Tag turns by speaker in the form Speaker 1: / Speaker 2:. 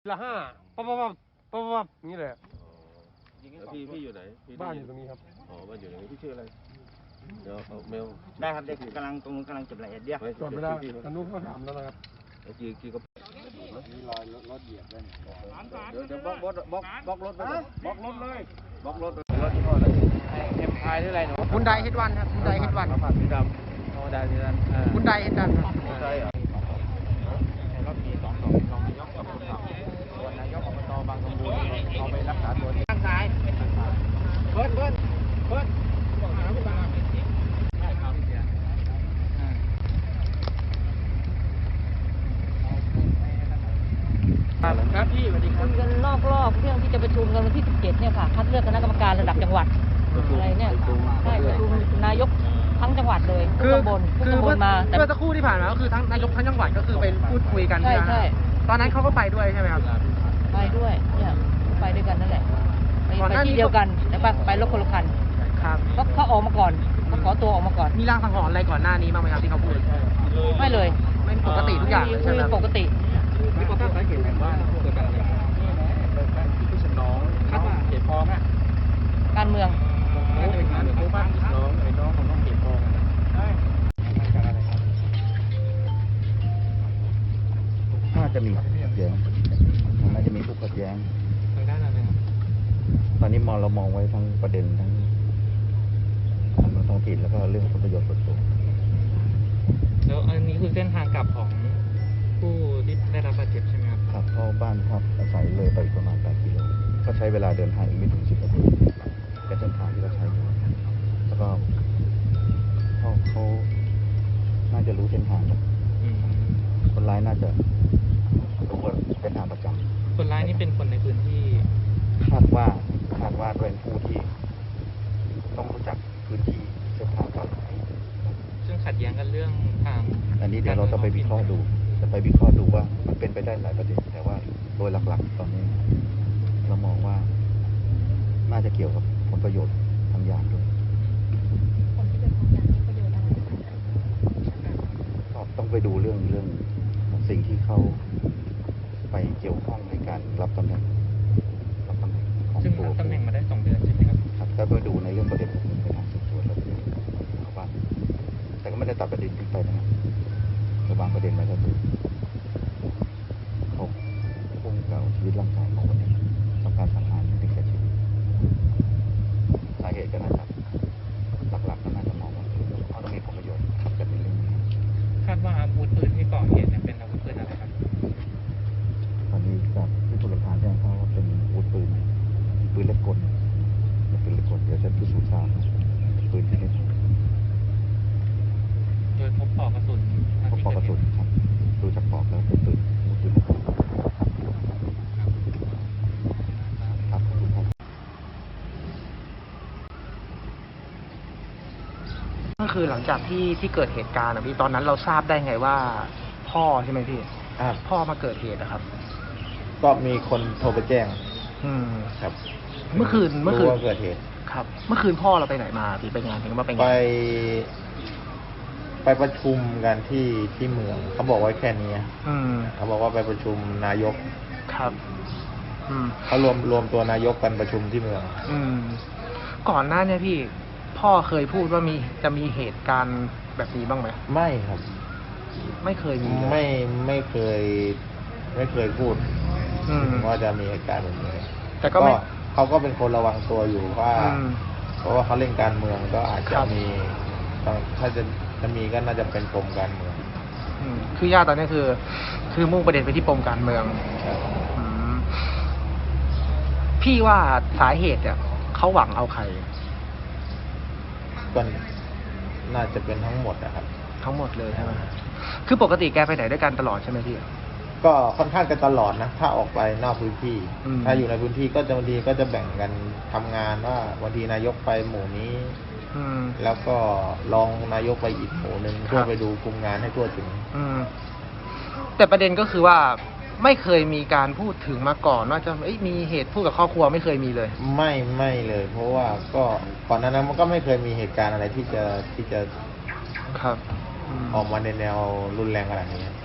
Speaker 1: ละห้าปั๊บนี่แหละ
Speaker 2: พี่อยู่ไหน
Speaker 1: บ้านอยู่ตรงนี้ครับ
Speaker 2: อ๋อบ้านอยู่ตรงนี้พี่ชื่ออะไรเดี๋ยวเอาเมล
Speaker 3: ได้ครับเด็กกำลังตรงนู้นกำลังเก็บรายละเอียดเดียว
Speaker 1: จอดไม่ได้ทางนู้นเขาถามแล้วนะครับ
Speaker 2: จีก็
Speaker 3: มีรอยรถเหยียบด้วย
Speaker 2: เดี๋ยวบล็อกรถไปบล็อกรถเลยบล็อกรถ
Speaker 3: ที่พ่อเลยเอ็มพายหรืออะไรหนูคุณไดเฮดวันครับคุณไดเฮดวัน
Speaker 2: ผ่านสีดำ
Speaker 3: โอ้ได้สีดำคุณไดเฮดวัน
Speaker 2: ใช่เหรอ
Speaker 3: รถมี2 รองนายกกับคนขับส่วนนายกอบตบางสมบูรณ์เอาไปรักษาตัวที่ข้างซ้ายเบิร์ดครับพี่สวัสดีครับ
Speaker 4: กันรอบเรื่องที่จะประชุมกันวันที่ 17 เนี่ยค่ะคัดเลือกคณะกรรมการระดับจังหวัดอะไรเนี่ยใช่ประชุมนายกทั้งจังหวัดเลยทุกตำบลมา
Speaker 3: แต่เมื่อสักครู่ที่ผ่านมาก็คือทั้งนายกทั้งจังหวัดก็คือไปพูดคุยกัน
Speaker 4: ใช่
Speaker 3: ตอนนั้นเขาก็ไปด้วยใช่ไหมครับ
Speaker 4: ไปด้วยเนี่ยไปด้วยกันนั่นแหละไปที่เดียวกันแต่ไปรถคนละคัน
Speaker 3: ครับ
Speaker 4: เขาออกมาก่อนเขาขอตัวออกมาก่อน
Speaker 3: มีรางสังหรณ์อะไรก่อนหน้านี้บ้างไหมครับที่เขาพูด
Speaker 4: ไม่เลย
Speaker 3: ไม่ปกติทุกอย่างใช่ไหม
Speaker 4: ปกติ
Speaker 3: มีความตั้งใจเห็นว่าเกิดการอะไรที่ฉันน้องคาดว่าเหตุพอไหม
Speaker 4: การเมือง
Speaker 3: น่าจะเป็นการเมืองบ้านน้องของน้องเหตุพอ
Speaker 5: น่าจะมีขัดแย้งน่าจะมีทุกขัดแย้ง
Speaker 3: ทางด้านอะไรครับ
Speaker 5: ตอนนี้เรามองไว้ทั้งประเด็นทั้งการเมืองท้องถิ่นแล้วก็เรื่องผลประโยชน์ส่วนตัว
Speaker 3: แล้วอันนี้คือเส้นทางกลับของผู้ที่ได้รับบาดเจ็บใช่ไหมครับ
Speaker 5: ขับเข้าบ้านพักอาศัยเลยไปประมาณ8 กิโลก็ใช้เวลาเดินทางอีกไม่ถึง10 นาทีเป็นเส้นทางที่เราใช้แล้วก็เขาน่าจะรู้เส้นทางแล้วคนร้ายน่าจะรู้ว่าเส้นทางประจำ
Speaker 3: คนร้ายนี่เป็นคนในพื้นที่
Speaker 5: คาดว่าเป็นผู้ที่ต้องรู้จักพื้นที่เส้นทางการ
Speaker 3: ซึ่งขัดแย้งกันเรื่องทาง
Speaker 5: อันนี้เดี๋ยวเราจะไปวิเคราะห์ดูว่ามันเป็นไปได้หลายประเด็นแต่ว่าโดยหลักๆตอนนี้เรามองว่าน่าจะเกี่ยวกับผลประโยชน์ทางยานด้วย
Speaker 4: ผลประโยชน์ทางยานประโยชน์อะไร
Speaker 5: ก็ต้องไปดูเรื่องสิ่งที่เขาไปเกี่ยวข้องในการรับตำแหน่งของ
Speaker 3: ซึ่งรับตำแหน่งมาได้2 เดือนใช่ไหมครับ
Speaker 5: ครับก็ไปดูในเรื่องประเด็นพวกนี้ไปทางสืบสวนแล้วเข้าบ้านแต่ก็ไม่ได้ตัดประเด็นทิ้งไปนะครับแต่บางประเด็นมันก็คือเขาพุ่งเก่าชีวิตร่างกายของวันนี้ต้องการสังหารถึงแก่ชีวิตสาเหตุก็น่าจะหลักๆก็น่าจะมองว่าเขาต้องมีผลประโยชน์ครับจะเป็นเรื่องนี้
Speaker 3: คาดว่าอาวุธปืนที่ก่อเหตุเป็นอาวุธปืนอะไรครับ
Speaker 5: ตอนนี้จากที่ผู้หลักฐานแจ้งเขาว่าเป็นอาวุธปืนเล็กกลเดี๋ยวจะพิสูจน์ทราบปืนชนิด
Speaker 3: โดยพบปลอกกระสุน
Speaker 5: ครับดูจากปลอกแล้วเป็นปืนอาวุธปืนครับขอบคุณครับ
Speaker 3: ก็คือหลังจากที่เกิดเหตุการณ์นะพี่ตอนนั้นเราทราบได้ไงว่าพ่อใช่ไหมพี่พ่อมาเกิดเหตุนะครับ
Speaker 5: ก็มีคนโทรไปแจ้งครับ
Speaker 3: เมื่อคืน
Speaker 5: ว่าเกิดเหตุ
Speaker 3: ครับเมื่อคืนพ่อเราไปไหนมาพี่ไปงานถึงว่าไปงาน
Speaker 5: ไปประชุมกันที่เมืองเขาบอกไว้แค่นี้เขาบอกว่าไปประชุมนายก
Speaker 3: ครับ
Speaker 5: เขารวมตัวนายกกันประชุมที่เมือง
Speaker 3: ก่อนหน้านี้พี่พ่อเคยพูดว่าจะมีเหตุการณ์แบบนี้บ้างไหม
Speaker 5: ไม่ครับ
Speaker 3: ไม่เคยมี
Speaker 5: ไม่เคยพูดว่าจะมีเหตุการณ์แบบนี้
Speaker 3: แต่ก็
Speaker 5: เขาก็เป็นคนระวังตัวอยู่ว่าเพราะว่าเขาเล่นการเมืองก็อาจจะมีถ้าจะมีก็น่าจะเป็นปมการเมือง
Speaker 3: คือย่าตอนนี้คือมุ่งประเด็นไปที่ปมการเมืองพี่ว่าสาเหตุเนี่ยเขาหวังเอาใคร
Speaker 5: ก็น่าจะเป็นทั้งหมดนะครับ
Speaker 3: ทั้งหมดเลยใช่ไหมคือปกติแกไปไหนด้วยกันตลอดใช่ไหมพี่
Speaker 5: ก็ค่อนข้างกันตลอดนะถ้าออกไปนอกพื้นที่ถ้าอยู่ในพื้นที่ก็จะบางทีก็จะแบ่งกันทำงานว่าวันทีนายกไปหมู่นี้แล้วก็รองนายกไปอีกหมู่นึงเพื่อไปดูคุมงานให้ทั่วถึง
Speaker 3: แต่ประเด็นก็คือว่าไม่เคยมีการพูดถึงมาก่อนว่าจะมีเหตุพูดกับครอบครัวไม่เคยมีเลย
Speaker 5: ไม่เลยเพราะว่าก็ก่อนหน้านั้นมันก็ไม่เคยมีเหตุการณ์อะไรที่จะ
Speaker 3: ครับ
Speaker 5: ออกมาในแนวรุนแรงขนาดนี้